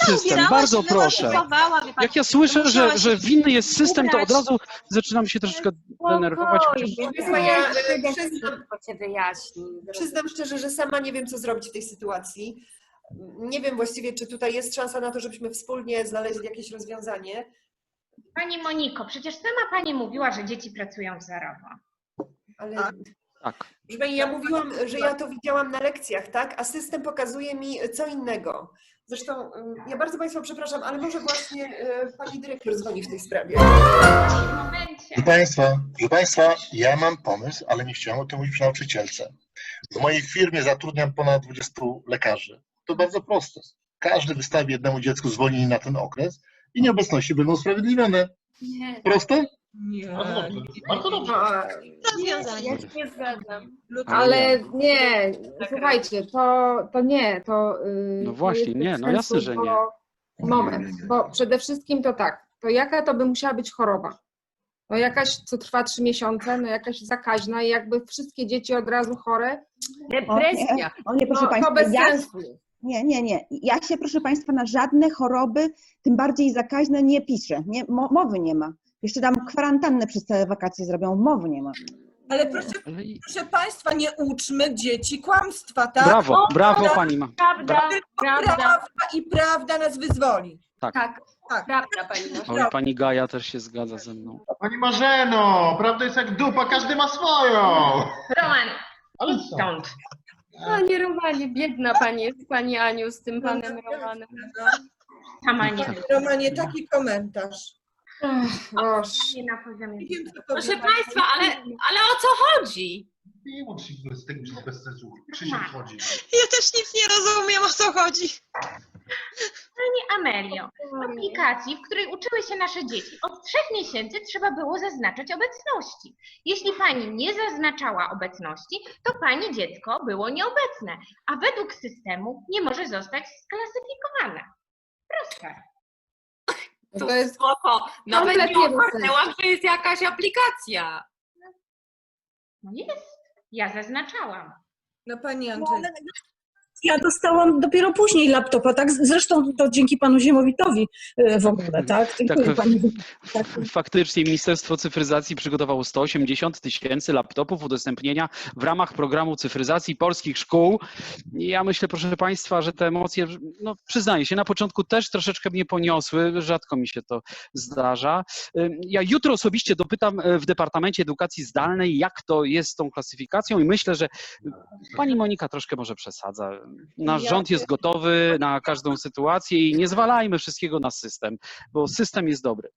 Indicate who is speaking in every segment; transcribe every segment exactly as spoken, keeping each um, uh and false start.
Speaker 1: system, bardzo proszę. Jak ja słyszę, że, że winny jest system, to od razu zaczynam się troszeczkę denerwować.
Speaker 2: Ja przyznam, przyznam szczerze, że sama nie wiem, co zrobić w tej sytuacji. Nie wiem właściwie, czy tutaj jest szansa na to, żebyśmy wspólnie znaleźli jakieś rozwiązanie.
Speaker 3: Pani Moniko, przecież sama Pani mówiła, że dzieci pracują wzorowo.
Speaker 2: Ale
Speaker 1: Tak.
Speaker 2: proszę pani, ja mówiłam, że ja to widziałam na lekcjach, tak? A system pokazuje mi co innego. Zresztą ja bardzo Państwa przepraszam, ale może właśnie Pani dyrektor dzwoni w tej sprawie.
Speaker 4: Proszę Państwa, proszę Państwa, ja mam pomysł, ale nie chciałem o tym mówić przy nauczycielce. W mojej firmie zatrudniam ponad dwudziestu lekarzy. To bardzo proste. Każdy wystawi jednemu dziecku zwolnienie na ten okres i nieobecności będą usprawiedliwione.
Speaker 5: Nie.
Speaker 4: Proste?
Speaker 5: Nie.
Speaker 4: Bardzo dobrze.
Speaker 5: Rozwiązanie. Ja się nie zgadzam.
Speaker 6: Ale nie, słuchajcie, to, to nie, to yy,
Speaker 1: No właśnie,
Speaker 6: to jest
Speaker 1: nie,
Speaker 6: bez
Speaker 1: no jasne,
Speaker 6: sensu,
Speaker 1: że nie.
Speaker 6: bo- Moment, bo przede wszystkim to tak, to jaka to by musiała być choroba? No jakaś, co trwa trzy miesiące, no jakaś zakaźna i jakby wszystkie dzieci od razu chore,
Speaker 7: Depresja. O nie, proszę
Speaker 6: no, to
Speaker 7: Państwa,
Speaker 6: bez
Speaker 7: ja,
Speaker 6: sensu.
Speaker 7: nie, nie, nie. Ja się, proszę Państwa, na żadne choroby, tym bardziej zakaźne, nie piszę. Nie, mo, mowy nie ma. Jeszcze tam kwarantannę przez całe wakacje zrobią, mowy nie ma.
Speaker 8: Ale proszę,
Speaker 1: Ale i-
Speaker 8: proszę Państwa, nie uczmy dzieci kłamstwa, tak?
Speaker 1: Brawo, brawo Pani ma.
Speaker 5: Prawda, prawda,
Speaker 8: Prawda i prawda nas wyzwoli.
Speaker 5: tak,
Speaker 8: Tak.
Speaker 5: prawda Pani Marzeno.
Speaker 1: Oj, Pani Gaja też się zgadza ze mną.
Speaker 9: Pani Marzeno, prawda jest jak dupa, każdy ma swoją.
Speaker 3: Roman,
Speaker 9: Ale
Speaker 3: idź
Speaker 9: co?
Speaker 3: stąd.
Speaker 5: Panie Romanie, biedna Pani jest, Pani Aniu, z tym Panem Romanem.
Speaker 3: Sama nie
Speaker 1: Tak.
Speaker 3: wiem.
Speaker 8: Romanie, taki komentarz.
Speaker 6: Boże.
Speaker 3: Nie na poziomie.
Speaker 8: Nie wiem, co
Speaker 10: Proszę
Speaker 8: powiedzieć.
Speaker 10: Państwa, ale, ale o co chodzi?
Speaker 9: Nie łącz się z tym przez bez sensu. Krzysiek chodzi.
Speaker 10: Ja też nic nie rozumiem, o co chodzi.
Speaker 3: Pani Amelio, w aplikacji, w której uczyły się nasze dzieci, od trzech miesięcy trzeba było zaznaczać obecności. Jeśli Pani nie zaznaczała obecności, to Pani dziecko było nieobecne, a według systemu nie może zostać sklasyfikowane. Proste.
Speaker 6: To jest
Speaker 10: Spoko, nawet nie
Speaker 6: kompletnie bez
Speaker 10: ogarnęłam, że jest jakaś aplikacja.
Speaker 3: No jest, ja zaznaczałam.
Speaker 8: No Pani Andrzej.
Speaker 11: Ja dostałam dopiero później laptopa, tak? Zresztą to dzięki panu Ziemowitowi e, w ogóle, tak? Dziękuję
Speaker 1: Tak,
Speaker 11: pani. Tak.
Speaker 1: Faktycznie Ministerstwo Cyfryzacji przygotowało sto osiemdziesiąt tysięcy laptopów udostępnienia w ramach programu cyfryzacji polskich szkół. I ja myślę, proszę Państwa, że te emocje, no przyznaję się, na początku też troszeczkę mnie poniosły, rzadko mi się to zdarza. Ja jutro osobiście dopytam w Departamencie Edukacji Zdalnej, jak to jest z tą klasyfikacją i myślę, że Pani Monika troszkę może przesadza. Nasz rząd jest gotowy na każdą sytuację i nie zwalajmy wszystkiego na system, bo system jest dobry.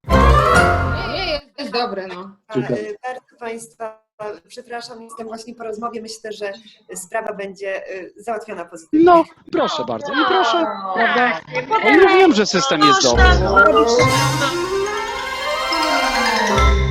Speaker 6: Nie, jest dobre, no.
Speaker 2: Bardzo Państwa przepraszam, jestem właśnie po rozmowie. Myślę, że sprawa będzie załatwiona pozytywnie.
Speaker 1: No, proszę bardzo. I proszę, prawda? Ja wiem, że system jest dobry.
Speaker 10: Można.